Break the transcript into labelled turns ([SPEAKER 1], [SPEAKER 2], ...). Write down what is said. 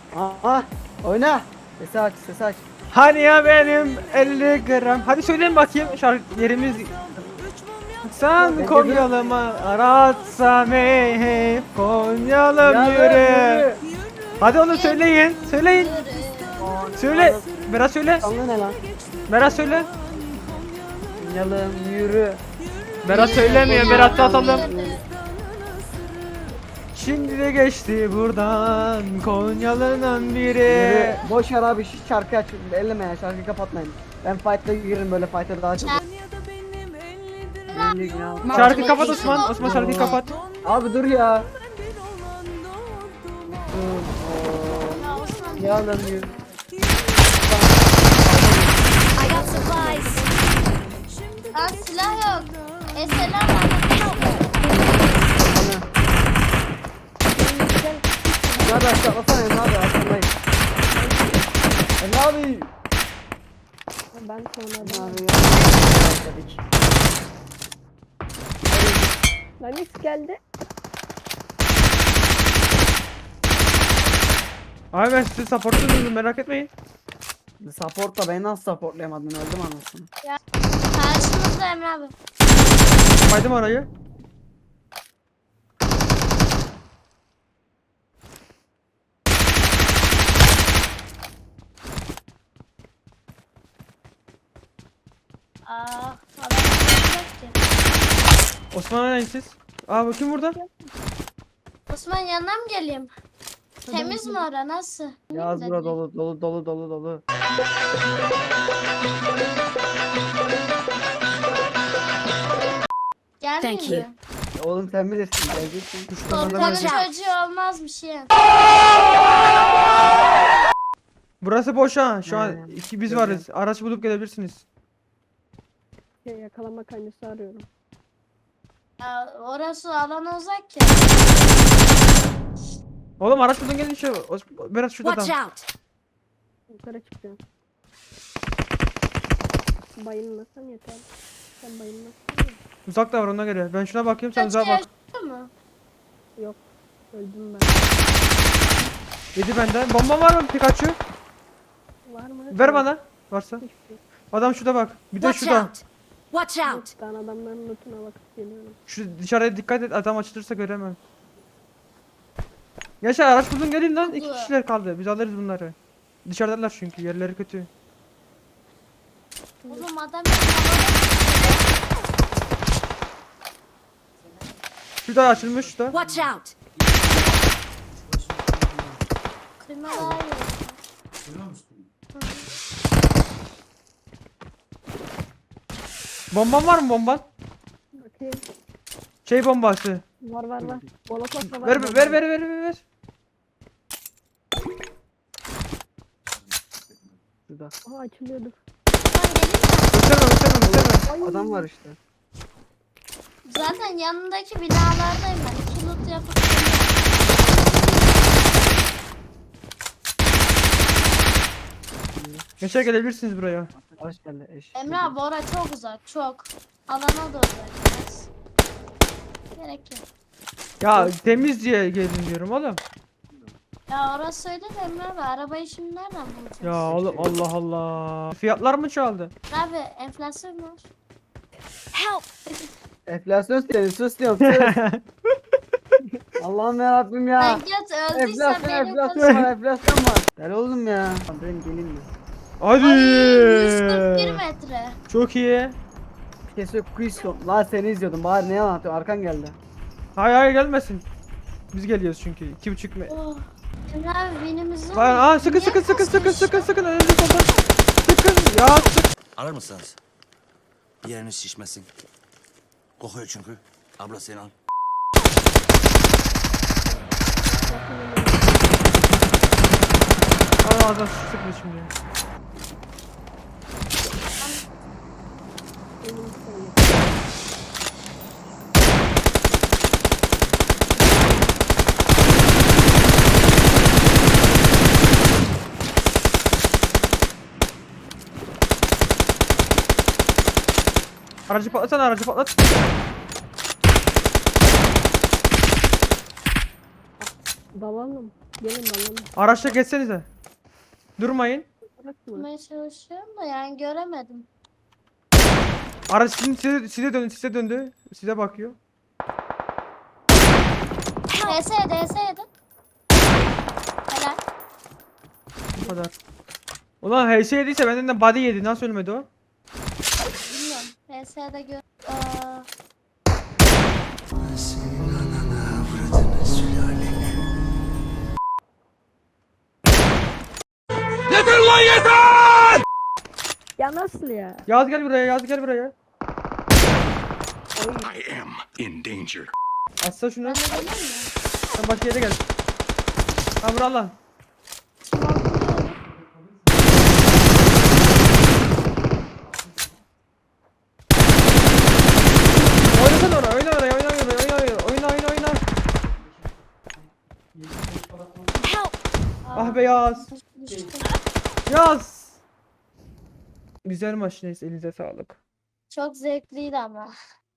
[SPEAKER 1] Aa, oyna. Sesi aç, sesi aç.
[SPEAKER 2] Hani ya benim 50 gram. Hadi söyleyin bakayım şarkı yerimiz. Sen Konyalı mı aratsam hey hey Konyalım yürü. Hadi onu söyleyin. Söyleyin. Söyle. Berat söyle.
[SPEAKER 1] Kanlı ne lan?
[SPEAKER 2] Berat söyle.
[SPEAKER 1] Yalım yürü.
[SPEAKER 2] Berat söylemiyor. Berat'ta atalım.
[SPEAKER 1] Yürü.
[SPEAKER 2] Şimdi de geçti buradan Konyalı'nın biri.
[SPEAKER 1] Yürü. Boş ver abi, şu şarkı aç. Elleme ya, şarkıyı kapatmayın. Ben fight'ta girerim, böyle fight'ta daha çok. Elli gram.
[SPEAKER 2] Şarkı kapat Osman. Osman şarkıyı kapat.
[SPEAKER 1] Abi dur ya. Yalım yürü.
[SPEAKER 3] I got supplies.
[SPEAKER 4] Aa, silah yok. Selam var.
[SPEAKER 1] Hadi aşağılasana Emre abi, aşağılayın. Emre abi.
[SPEAKER 5] Ben sonra
[SPEAKER 1] Abi ya.
[SPEAKER 5] Lamix geldi.
[SPEAKER 2] Abi ben sizi supportluyorum merak etmeyin.
[SPEAKER 1] Supportla beni nasıl supportlayamadın, öldüm anasını.
[SPEAKER 4] Karşımızda Emre abi.
[SPEAKER 2] Kaydım orayı.
[SPEAKER 4] Aa, adam yok ki.
[SPEAKER 2] Osman neyin siz? Aa bu kim burada?
[SPEAKER 4] Osman yanına mı geleyim? Temiz mi ora, nasıl?
[SPEAKER 1] Yaz bura dolu dolu dolu dolu dolu.
[SPEAKER 4] Gelmeyeyim
[SPEAKER 3] Thank you.
[SPEAKER 4] mi?
[SPEAKER 1] Oğlum sen bilirsin, geleceksin.
[SPEAKER 4] Korkanın çocuğu olmaz bir şey.
[SPEAKER 2] Burası boş ha. Şu an
[SPEAKER 1] He,
[SPEAKER 2] iki biz
[SPEAKER 1] görüyorum.
[SPEAKER 2] varız. Araç bulup gelebilirsiniz.
[SPEAKER 5] Yakalama kancası arıyorum.
[SPEAKER 4] Ya, orası alana uzak ki.
[SPEAKER 2] Oğlum araç buldun gelin şu. Berat şurada
[SPEAKER 3] Watch
[SPEAKER 2] adam.
[SPEAKER 3] out.
[SPEAKER 5] Yukarı çıkıyorum. Bayılmasan yeter. Sen bayılmazsan ya.
[SPEAKER 2] Uzak da var ona göre. Ben şuna bakayım sen uzağa
[SPEAKER 4] Kaç
[SPEAKER 2] bak.
[SPEAKER 4] yaşıyor mu?
[SPEAKER 5] Yok. Öldüm ben.
[SPEAKER 2] Yedi benden. Bomba var mı Pikachu?
[SPEAKER 5] Var mı?
[SPEAKER 2] Ver bana. Varsa.
[SPEAKER 5] Hiçbir şey.
[SPEAKER 2] Adam şurada bak. Bir de
[SPEAKER 3] Watch
[SPEAKER 2] şurada.
[SPEAKER 3] out. Watch out.
[SPEAKER 5] Yok, ben adamların lootuna bakıp geliyorum.
[SPEAKER 2] Şu dışarıya dikkat et. Adam açılırsa göremem. Yaşar araç buldun gelin lan. İki kişiler kaldı. Biz alırız bunları. Dışarıdalar çünkü yerleri kötü.
[SPEAKER 4] Oğlum adam
[SPEAKER 2] Şurada açılmış şurada.
[SPEAKER 3] Watch out.
[SPEAKER 4] kıymalar yiyor.
[SPEAKER 2] Bomban var mı bomban?
[SPEAKER 5] Bakayım.
[SPEAKER 2] Şey bombası.
[SPEAKER 5] Var var var. Molotov da var.
[SPEAKER 2] Ver.
[SPEAKER 1] Şurada.
[SPEAKER 5] Aha açılıyordu.
[SPEAKER 2] Gösterme.
[SPEAKER 1] Adam var işte.
[SPEAKER 4] Zaten yanındaki binalardayım ben. İki loot yapıp
[SPEAKER 2] Yaşar gelebilirsiniz buraya.
[SPEAKER 1] Hoş geldi eş.
[SPEAKER 4] Emre abi orası çok uzak, çok. Alana da uzak biraz. Gerek yok.
[SPEAKER 2] Ya temiz diye gelin diyorum oğlum.
[SPEAKER 4] Ya orası öyle de Emre abi, arabayı şimdi nereden bulacağız?
[SPEAKER 2] Ya oğlum Allah Allah. Fiyatlar mı çaldı?
[SPEAKER 4] Abi enflasyon var.
[SPEAKER 3] Help.
[SPEAKER 1] Enflasyon diyorum, sus diyorum, sus. Allah'ım yarabbim ya.
[SPEAKER 4] Ben göt öldüyse
[SPEAKER 1] Enflasyon,
[SPEAKER 4] beni
[SPEAKER 1] enflasyon var, enflasyon var. Gel oğlum ya. Ben geleyim mi?
[SPEAKER 2] Hadi.
[SPEAKER 4] 141 metre.
[SPEAKER 2] Çok iyi.
[SPEAKER 1] Kesin quiz yok. Lan seni izliyordum. Bari ne anlatıyorsun? Arkan geldi.
[SPEAKER 2] Hayır gelmesin. Biz geliyoruz çünkü. 2,5
[SPEAKER 4] Oh. Emre abi binimizin...
[SPEAKER 2] Aa sıkın
[SPEAKER 4] Niye
[SPEAKER 2] sıkın
[SPEAKER 4] kasmış?
[SPEAKER 2] önünde solda. Sıkın ya sık.
[SPEAKER 6] Alır mısınız? Bir yeriniz şişmesin. Kokuyor çünkü. Abla sen al.
[SPEAKER 2] Aa ağzına sıkma şimdi.
[SPEAKER 5] Benim söyle.
[SPEAKER 2] Aracı patlatsana aracı patlat.
[SPEAKER 5] Dalalım. Gelin dalalım.
[SPEAKER 2] Araçla geçsenize. Durmayın.
[SPEAKER 5] Bırakma.
[SPEAKER 4] Tutmaya çalışıyorum da yani göremedim.
[SPEAKER 2] Araç şimdi size döndü. Size bakıyor.
[SPEAKER 4] DS yedi. Helal.
[SPEAKER 2] Bu kadar. Ulan HS yediyse benden de body yedi. Nasıl ölmedi o?
[SPEAKER 4] Bilmiyorum. DS'de gör.
[SPEAKER 6] Senin ananı avradını sülale. Yeter lan yeter!
[SPEAKER 5] Ya nasıl ya?
[SPEAKER 2] Yaz gel buraya, Yaz gel buraya.
[SPEAKER 7] I am in danger.
[SPEAKER 2] Atsa şunu.
[SPEAKER 4] Ben de geleyim mi?
[SPEAKER 2] Sen başka yere gel. Ha vur Allah. Oynasana oraya, oyna oraya, oyna.
[SPEAKER 3] Help!
[SPEAKER 2] Ah be Yaz.
[SPEAKER 4] Düştüm.
[SPEAKER 2] Yaz. Güzel maç neyse, elinize sağlık.
[SPEAKER 4] Çok zevkliydi ama.